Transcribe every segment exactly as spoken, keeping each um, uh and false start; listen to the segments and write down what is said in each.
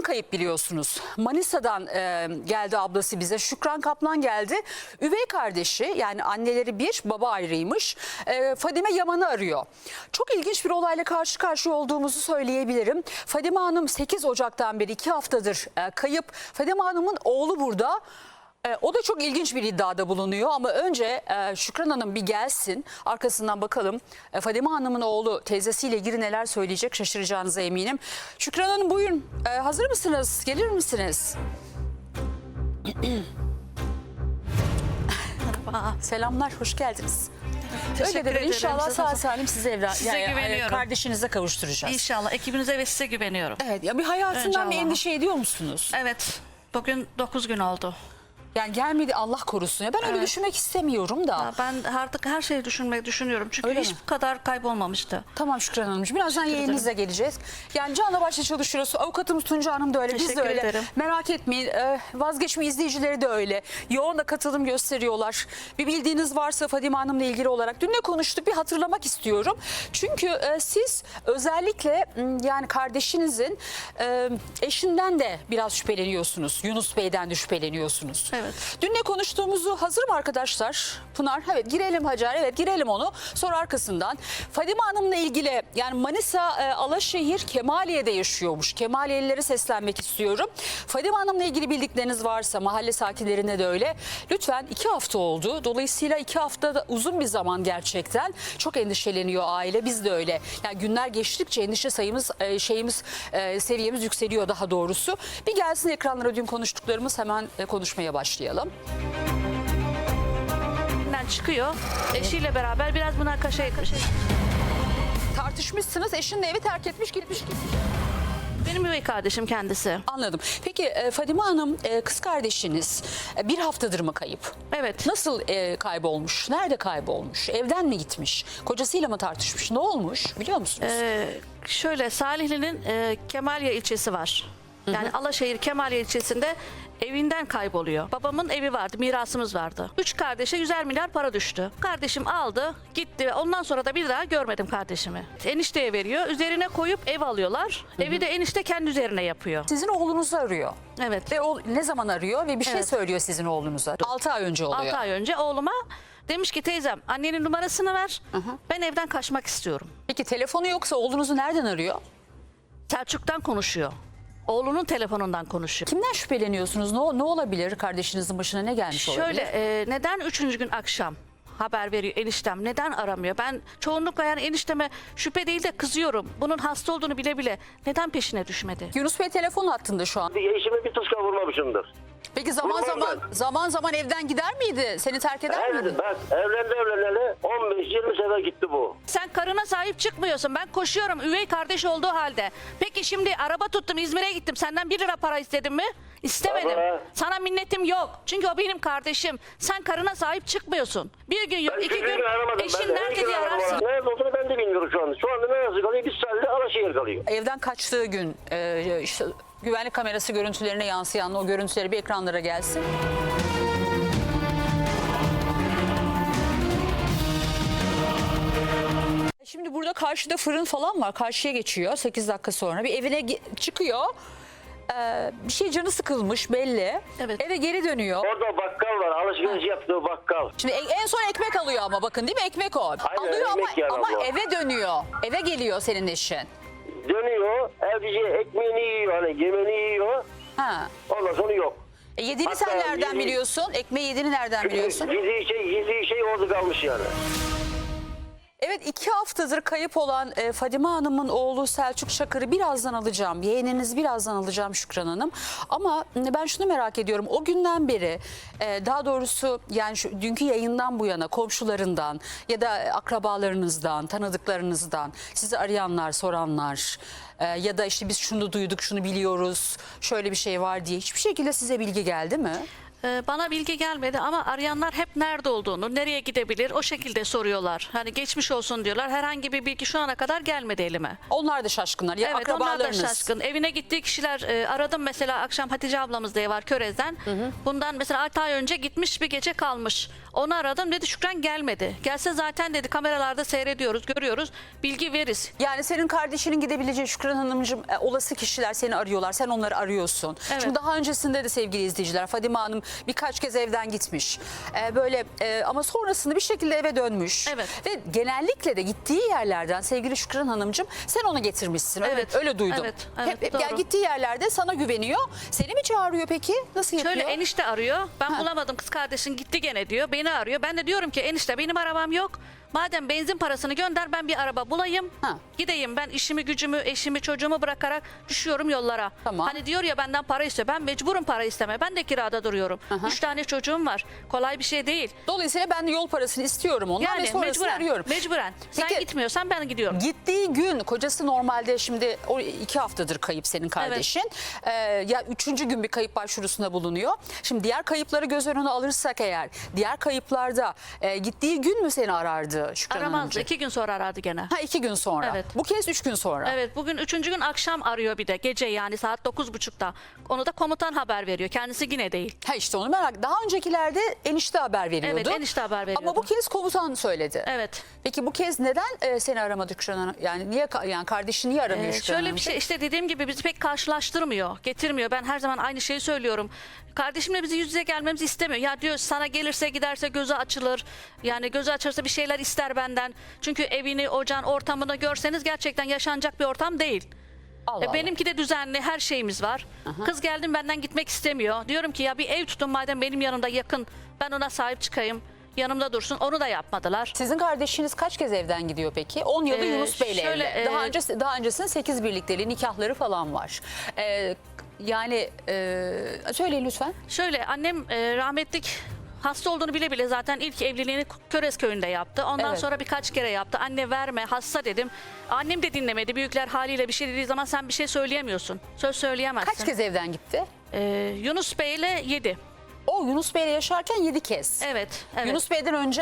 kayıp biliyorsunuz. Manisa'dan e, geldi ablası bize. Şükran Kaplan geldi. Üvey kardeşi, yani anneleri bir, baba ayrıymış. E, Fadime Yaman'ı arıyor. Çok ilginç bir olayla karşı karşıya olduğumuzu söyleyebilirim. Fadime Hanım sekiz Ocak'tan beri iki haftadır e, kayıp. Fadime Hanım'ın oğlu burada. E, o da çok ilginç bir iddiada bulunuyor ama önce e, Şükran Hanım bir gelsin, arkasından bakalım e, Fadime Hanım'ın oğlu teyzesiyle ilgili neler söyleyecek, şaşıracağınıza eminim. Şükran Hanım buyurun, e, hazır mısınız, gelir misiniz? Merhaba. Selamlar, hoş geldiniz. Teşekkür Öyle de ederim. inşallah Size- sağ salim size evren, Size yani, güveniyorum. kardeşinize kavuşturacağız. İnşallah ekibinize ve size güveniyorum. Evet, ya bir hayatından Önce bir Allah'a. endişe ediyor musunuz? Evet. Bugün dokuz gün oldu. Yani gelmedi, Allah korusun. Ya ben öyle Evet. düşünmek istemiyorum da. Ya ben artık her şeyi düşünmeyi düşünüyorum. Çünkü Öyle hiç mi? bu kadar kaybolmamıştı. Tamam Şükran Hanımcığım. Birazdan Teşekkür yayınınıza geleceğiz. Yani canla başla çalışıyoruz. Avukatımız Tunca Hanım da öyle. Biz de Teşekkür öyle. ederim. Merak etmeyin. Ee, vazgeçme izleyicileri de öyle. Yoğun da katılım gösteriyorlar. Bir bildiğiniz varsa Fadime Hanım'la ilgili olarak. Dün ne konuştuk bir hatırlamak istiyorum. Çünkü e, siz özellikle m, yani kardeşinizin e, eşinden de biraz şüpheleniyorsunuz. Yunus Bey'den de şüpheleniyorsunuz. Evet. Dün ne konuştuğumuzu hazır mı arkadaşlar? Pınar, evet girelim Hacer, evet girelim onu. Sonra arkasından Fadime Hanım'la ilgili, yani Manisa e, Alaşehir Kemaliye'de yaşıyormuş. Kemaliyelilere seslenmek istiyorum. Fadime Hanım'la ilgili bildikleriniz varsa, mahalle sakinlerine de öyle. Lütfen, iki hafta oldu. Dolayısıyla iki hafta da uzun bir zaman gerçekten. Çok endişeleniyor aile, biz de öyle. Yani günler geçtikçe endişe sayımız, e, şeyimiz, e, seviyemiz yükseliyor daha doğrusu. Bir gelsin ekranlara dün konuştuklarımız, hemen e, konuşmaya başlayalım. Çıkıyor. Eşiyle beraber biraz münakaşa etmiş. Tartışmışsınız, eşin de evi terk etmiş, gitmiş gitmiş. Benim üvey kardeşim kendisi. Anladım. Peki e, Fadime Hanım, e, kız kardeşiniz e, bir haftadır mı kayıp? Evet. Nasıl e, kaybolmuş? Nerede kaybolmuş? Evden mi gitmiş? Kocasıyla mı tartışmış? Ne olmuş biliyor musunuz? Ee, şöyle Salihli'nin e, Kemaliye ilçesi var. Yani Alaşehir Kemaliye ilçesinde evinden kayboluyor. Babamın evi vardı, mirasımız vardı. Üç kardeşe yüzer milyar para düştü. Kardeşim aldı, gitti ve ondan sonra da bir daha görmedim kardeşimi. Enişteye veriyor, üzerine koyup ev alıyorlar. Evi de enişte kendi üzerine yapıyor. Sizin oğlunuzu arıyor. Evet. Ve o ne zaman arıyor ve bir şey Evet. söylüyor sizin oğlunuza? altı ay önce oluyor. altı ay önce oğluma demiş ki teyzem annenin numarasını ver. Ben evden kaçmak istiyorum. Peki telefonu yoksa oğlunuzu nereden arıyor? Selçuk'tan konuşuyor. Oğlunun telefonundan konuşuyor. Kimden şüpheleniyorsunuz? Ne, ne olabilir? Kardeşinizin başına ne gelmiş olabilir? Şöyle e, neden üçüncü gün akşam haber veriyor eniştem? Neden aramıyor? Ben çoğunlukla yani enişteme şüphe değil de kızıyorum. Bunun hasta olduğunu bile bile neden peşine düşmedi? Yunus Bey telefon hattında şu an. Eşime bir tuska vurmamışımdır. Peki zaman Vurmam zaman ben. zaman zaman evden gider miydi? Seni terk eder miydi? Evet, bak evlendi evleneli on beş yirmi sefer gitti bu. Sen karına sahip çıkmıyorsun. Ben koşuyorum üvey kardeş olduğu halde. Peki şimdi araba tuttum İzmir'e gittim. Senden bir lira para istedim mi? İstemedim. Ama- Sana minnetim yok. Çünkü o benim kardeşim. Sen karına sahip çıkmıyorsun. Bir gün yok, Ben iki hiçbir gün aramadım. eşin Ben nerede hiçbir diye aramadım. ararsın. Nerede olduğunu ben de bilmiyorum şu anda. Şu anda neresi kalıyor? Biz sadece Alaşehir kalıyor. Evden kaçtığı gün e, işte güvenlik kamerası görüntülerine yansıyan o görüntüleri bir ekranlara gelsin. Şimdi burada karşıda fırın falan var. Karşıya geçiyor sekiz dakika sonra. Bir evine ge- çıkıyor. Ee, bir şey canı sıkılmış belli. Evet. Eve geri dönüyor. Orada bakkal var. Alışveriş yaptığı bakkal. Şimdi e- en son ekmek alıyor ama bakın değil mi? Ekmek o. Alıyor ama, ekmek yani ama abla. eve dönüyor. Eve geliyor senin eşin. Dönüyor. Evcice ekmeğini yiyor. Hani yemeğini yiyor. Ha. Ondan sonra yok. E yediğini Hatta sen nereden yedi- biliyorsun? Ekmeği yediğini nereden biliyorsun? Gizli şey, gizli şey orada kalmış yani. Evet, iki haftadır kayıp olan e, Fadime Hanım'ın oğlu Selçuk Şakır'ı birazdan alacağım. Yeğeniniz birazdan alacağım Şükran Hanım. Ama ben şunu merak ediyorum. O günden beri e, daha doğrusu yani şu, dünkü yayından bu yana komşularından ya da akrabalarınızdan, tanıdıklarınızdan sizi arayanlar, soranlar e, ya da işte biz şunu duyduk, şunu biliyoruz, şöyle bir şey var diye hiçbir şekilde size bilgi geldi mi? Ee, bana bilgi gelmedi ama arayanlar hep nerede olduğunu, nereye gidebilir o şekilde soruyorlar. Hani geçmiş olsun diyorlar. Herhangi bir bilgi şu ana kadar gelmedi elime. Onlar da şaşkınlar. Ya Evet, onlar da akrabalarınız. şaşkın. Evine gittiği kişiler e, aradım mesela akşam Hatice ablamız diye var Körez'den. Bundan mesela altı ay önce gitmiş bir gece kalmış. Onu aradım dedi Şükran gelmedi. Gelse zaten dedi kameralarda seyrediyoruz, görüyoruz. Bilgi veririz. Yani senin kardeşinin gidebileceği Şükran Hanımcığım e, olası kişiler seni arıyorlar. Sen onları arıyorsun. Evet. Şimdi daha öncesinde de sevgili izleyiciler Fadime Hanım birkaç kez evden gitmiş. E, böyle e, ama sonrasında bir şekilde eve dönmüş. Evet. Ve genellikle de gittiği yerlerden sevgili Şükran Hanımcığım sen onu getirmişsin. Öyle, Evet. öyle duydum. Evet, evet, hep, hep, doğru. yani gittiği yerlerde sana güveniyor. Seni mi çağırıyor peki? Nasıl yapıyor? Şöyle enişte arıyor. Ben Ha. bulamadım kız kardeşin gitti gene diyor. Beni arıyor. Ben de diyorum ki enişte benim arabam yok. Madem benzin parasını gönder ben bir araba bulayım. Ha. Gideyim ben işimi gücümü eşimi çocuğumu bırakarak düşüyorum yollara. Tamam. Hani diyor ya benden para istiyor. Ben mecburum para isteme. Ben de kirada duruyorum. Aha. Üç tane çocuğum var. Kolay bir şey değil. Dolayısıyla ben de yol parasını istiyorum ondan ve Yani sonrasını mecburen. arıyorum. Mecburen. Sen Peki- gitmiyorsan ben gidiyorum. Gittiği gün kocası normalde şimdi o iki haftadır kayıp senin kardeşin. Ee, ya üçüncü gün bir kayıp başvurusunda bulunuyor. Şimdi diğer kayıpları göz önüne alırsak eğer diğer kayıplarda e, gittiği gün mü seni arardı Şükran Aramazdı. Hanımcığım? İki gün sonra aradı gene. Ha iki gün sonra. Evet. Bu kez üç gün sonra. Evet bugün üçüncü gün akşam arıyor bir de gece yani saat dokuz buçukta. Onu da komutan haber veriyor. Kendisi yine değil. Ha işte onu merak. Daha öncelerde enişte haber veriyordu. Evet, enişte haber veriyordu. Ama bu kez komutan söyledi. Evet. Peki bu kez neden e, seni aramadı Şükran Hanım? Yani niye ka- yani kardeşini niye aramıyor Ee, Şükran şöyle bir Hanımcığım? şey işte dediğim gibi bizi pek karşılaştırmıyor, getirmiyor. Ben her zaman aynı şeyi söylüyorum. Kardeşimle bizi yüz yüze gelmemizi istemiyor. Ya diyor sana gelirse giderse gözü açılır. Yani gözü açılırsa bir şeyler ister benden. Çünkü evini, ocağın, ortamını görseniz gerçekten yaşanacak bir ortam değil. Allah E, Allah. benimki de düzenli, her şeyimiz var. Kız geldim benden gitmek istemiyor. Diyorum ki ya bir ev tutun madem benim yanımda yakın. Ben ona sahip çıkayım. Yanımda dursun. Onu da yapmadılar. Sizin kardeşiniz kaç kez evden gidiyor peki? on yılı Ee, Yunus Bey'le şöyle, evli. Daha e, önce daha öncesinde sekiz birlikteliği, nikahları falan var. Ee, yani e, söyleyin lütfen. Şöyle annem e, rahmetlik hasta olduğunu bile bile zaten ilk evliliğini Köres köyünde yaptı. Ondan Evet. sonra birkaç kere yaptı. Anne verme hasta dedim. Annem de dinlemedi. Büyükler haliyle bir şey dediği zaman sen bir şey söyleyemiyorsun. Söz söyleyemezsin. Kaç kez evden gitti? Ee, Yunus Bey ile yedi. O Yunus Bey'le yaşarken yedi kez. Evet. evet. Yunus Bey'den önce?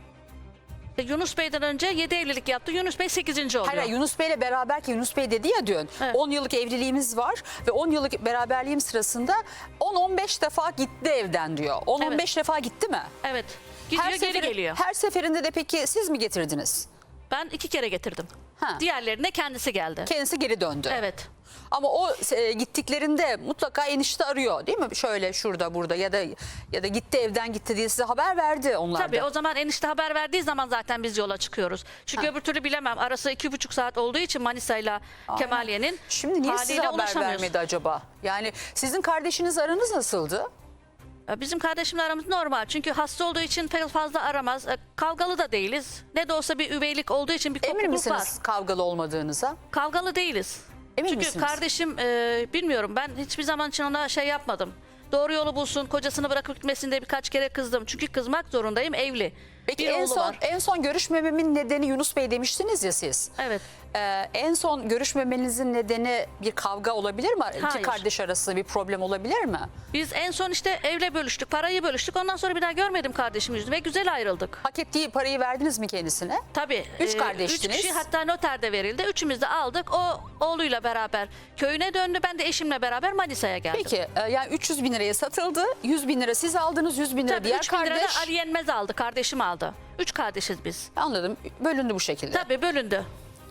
E, Yunus Bey'den önce yedi evlilik yaptı. Yunus Bey sekizinci oluyor. Hayır, hayır, Yunus Bey'le beraber ki Yunus Bey dedi ya dün. Evet. on yıllık evliliğimiz var ve on yıllık beraberliğim sırasında on on beş defa gitti evden diyor. on on beş defa gitti mi? Evet. Gidiyor geri seferi- geliyor. Her seferinde de peki siz mi getirdiniz? Ben iki kere getirdim. Ha. Diğerlerine kendisi geldi. Kendisi geri döndü. Evet. Ama o e, gittiklerinde mutlaka enişte arıyor değil mi? Şöyle şurada burada ya da ya da gitti evden gitti diye size haber verdi onlar Tabii da. o zaman enişte haber verdiği zaman zaten biz yola çıkıyoruz. Çünkü Ha. öbür türlü bilemem. Arası iki buçuk saat olduğu için Manisa'yla Kemaliye'nin Şimdi niye size haliyle haber ulaşamıyoruz. vermedi acaba? Yani sizin kardeşiniz aranız nasıldı? Bizim kardeşimle aramız normal. Çünkü hasta olduğu için pek fazla aramaz. E, Kavgalı da değiliz. Ne de olsa bir üveylik olduğu için bir Emin kopukluk var. misiniz kavgalı olmadığınıza? Kavgalı değiliz. Emin Çünkü misiniz? kardeşim e, bilmiyorum ben hiçbir zaman için ona şey yapmadım. Doğru yolu bulsun, kocasını bırakıp gitmesinde birkaç kere kızdım. Çünkü kızmak zorundayım, evli. Peki bir en oğlu son var. en son görüşmememin nedeni Yunus Bey demiştiniz ya siz. Evet. Ee, en son görüşmemenizin nedeni bir kavga olabilir mi? İki Hayır. kardeş arasında bir problem olabilir mi? Biz en son işte evle bölüştük, parayı bölüştük. Ondan sonra bir daha görmedim kardeşim yüzünü ve güzel ayrıldık. Hak ettiği parayı verdiniz mi kendisine? Tabii. Üç e, kardeştiniz. Üç kişi hatta noterde verildi. Üçümüz de aldık. O oğluyla beraber köyüne döndü. Ben de eşimle beraber Manisa'ya geldim. Peki e, yani üç yüz bin liraya satıldı. yüz bin lira siz aldınız, yüz bin lira Tabii diğer üç bin lira kardeş. da Ali Yenmez aldı. Kardeşim aldı. Üç kardeşiz biz. Anladım. Bölündü bu şekilde. Tabii bölündü.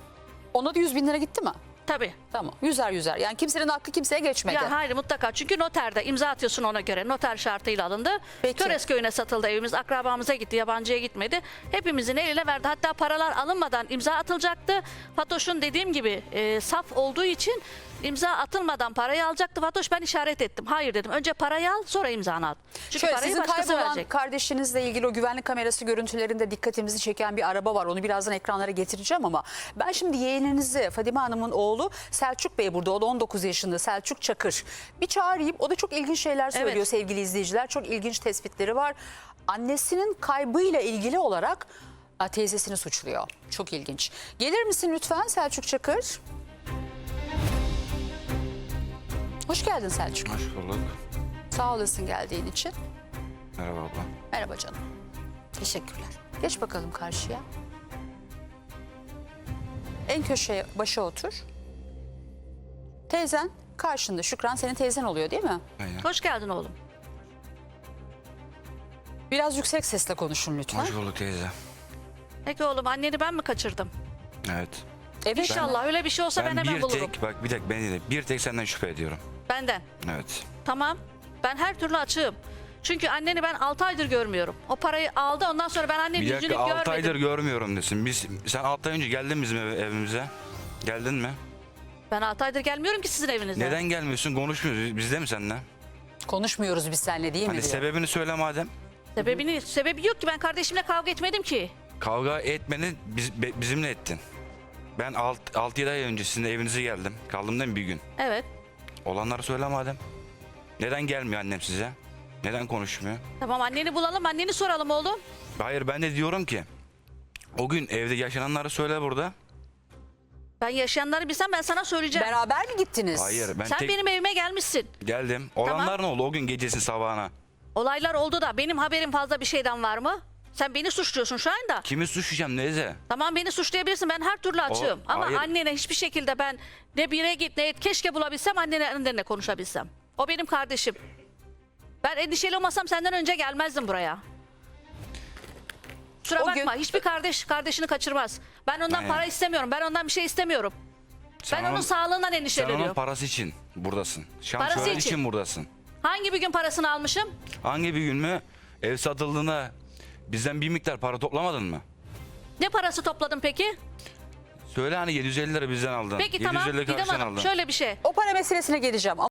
Ona da yüz bin lira gitti mi? Tabii. Tamam. Yüzer yüzer. Yani kimsenin hakkı kimseye geçmedi. Ya hayır mutlaka. Çünkü noterde imza atıyorsun ona göre. Noter şartıyla alındı. Peki. Töres köyüne satıldı evimiz. Akrabamıza gitti. Yabancıya gitmedi. Hepimizin eline verdi. Hatta paralar alınmadan imza atılacaktı. Fatoş'un dediğim gibi e, saf olduğu için imza atılmadan parayı alacaktı. Fatoş ben işaret ettim. Hayır dedim. Önce parayı al sonra imzanı at. Çünkü Şöyle, parayı sizin başkası kaybolan verecek. kardeşinizle ilgili o güvenlik kamerası görüntülerinde dikkatimizi çeken bir araba var. Onu birazdan ekranlara getireceğim ama ben şimdi yeğeninizi Fadime Hanım'ın oğlu Selçuk Bey burada. O da on dokuz yaşında Selçuk Çakır. Bir çağırayım. O da çok ilginç şeyler söylüyor Evet. sevgili izleyiciler. Çok ilginç tespitleri var. Annesinin kaybıyla ilgili olarak a, teyzesini suçluyor. Çok ilginç. Gelir misin lütfen Selçuk Çakır? Hoş geldin Selçuk. Hoş bulduk. Sağ olasın geldiğin için. Merhaba abla. Merhaba canım. Teşekkürler. Geç bakalım karşıya. En köşeye başa otur. Teyzen karşında. Şükran senin teyzen oluyor değil mi? Aynen. Hoş geldin oğlum. Biraz yüksek sesle konuşun lütfen. Hoş bulduk teyze. Peki oğlum, anneni ben mi kaçırdım? Evet. Evet. İnşallah öyle bir şey olsa ben, Ben hemen bir bulurum. tek, bak bir tek beni de bir tek senden şüphe ediyorum. Benden. Evet. Tamam. Ben her türlü açığım. Çünkü anneni ben altı aydır görmüyorum. O parayı aldı, ondan sonra ben annenin Bir yüzünü dakika görmedim. altı aydır görmüyorum desin. Biz, sen altı ay önce geldin bizim eve- evimize. Geldin mi? Ben altı aydır gelmiyorum ki sizin evinize. Neden gelmiyorsun? Konuşmuyoruz. Bizde mi seninle? Konuşmuyoruz biz seninle değil mi? Hani diyor. sebebini söyle madem. Sebebini, sebebi yok ki, ben kardeşimle kavga etmedim ki. Kavga etmeni biz, be- bizimle ettin. Ben altı yedi ay önce sizin evinize geldim. Kaldım değil mi bir gün? Evet. Olanları söyle madem. Neden gelmiyor annem size? Neden konuşmuyor? Tamam, anneni bulalım, anneni soralım oğlum. Hayır ben de diyorum ki o gün evde yaşananları söyle burada. Ben yaşayanları bilsem ben sana söyleyeceğim. Beraber mi gittiniz? Hayır ben Sen tek benim evime gelmişsin. geldim. Olanlar ne oldu o gün gecesi sabahına? Olaylar oldu da benim haberim fazla bir şeyden var mı? Sen beni suçluyorsun şu anda. Kimi suçlayacağım neyse? Tamam, beni suçlayabilirsin, ben her türlü açığım. Ama hayır. annene hiçbir şekilde ben ne bire git ne et, keşke bulabilsem annene, annenle konuşabilsem. O benim kardeşim. Ben endişeli olmasam senden önce gelmezdim buraya. Kusura O gün- bakma, hiçbir kardeş kardeşini kaçırmaz. Ben ondan Aynen. para istemiyorum, ben ondan bir şey istemiyorum. Sen ben onun sağlığından Sen onun endişeleniyorum. parası için buradasın. Parası Şansölye için. için buradasın. Hangi bir gün parasını almışım? Hangi bir gün mü ev satıldığında bizden bir miktar para toplamadın mı? Ne parası topladın peki? Söyle hani yedi yüz elli lira bizden aldın. Peki tamam, yedi yüz elli Didem karşıdan Hanım, aldın. şöyle bir şey. O para meselesine geleceğim ama